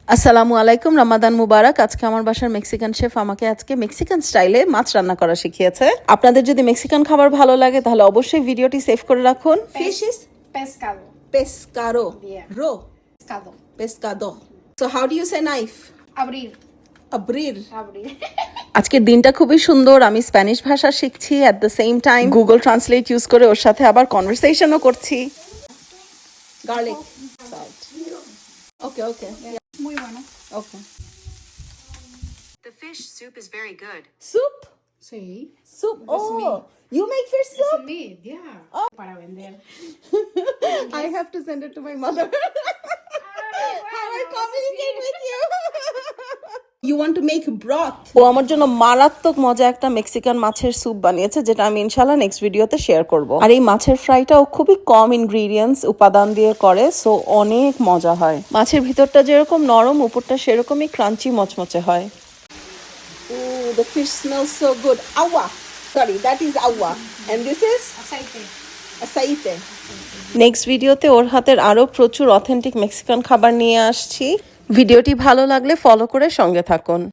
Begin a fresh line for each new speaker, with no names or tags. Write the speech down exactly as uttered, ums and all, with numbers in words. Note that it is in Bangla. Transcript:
আসসালামু আলাইকুম, রমাদান মুবারক। আজকে আমার বাসার মেক্সিকান শেফ আমাকে আজকে মেক্সিকান স্টাইলে মাছ রান্না করা শিখিয়েছে। আপনাদের যদি মেক্সিকান খাবার ভালো লাগে তাহলে অবশ্যই ভিডিওটি সেভ করে রাখুন।
Fish is pescado.
Pescado.
Yeah.
Ro.
Pescado.
Pescado. So how do you say knife?
Abrir.
Abrir.
Abrir.
আজকের দিনটা খুবই সুন্দর। আমি স্প্যানিশ ভাষা শিখছি, at the same time Google translate use করে ওর সাথে আবার কনভারসেশনও করছি। Garlic salt. Okay okay
Muy bueno.
Okay.
The fish soup is very good.
Soup.
Sí.
Soup.
That's
Oh,
me.
you make fish
Es
soup?
meat, yeah. Para vender.
I have to send it to my mother. How I communicate with you? You want to make broth? ও আমার জন্য মারাত্মক মজা একটা মেক্সিকান মাছের স্যুপ বানিয়েছে, যেটা আমি ইনশাআল্লাহ নেক্সট ভিডিওতে শেয়ার করব। আর এই মাছের ফ্রাইটাও খুবই কম ইনগ্রেডিয়েন্টস উপাদান দিয়ে করে, সো অনেক মজা হয়। মাছের ভিতরটা যেরকম নরম, উপরটা সেরকমই ক্রাঞ্চি মচমচে হয়। Oh, the fish smells so good. Agua. Sorry, that is agua. And this is
Aceite.
aceite. Next ভিডিওতে ওর হাতের আরো প্রচুর অথেন্টিক মেক্সিকান খাবার নিয়ে আসছি। ভিডিওটি ভালো লাগলে ফলো করে সঙ্গে থাকুন।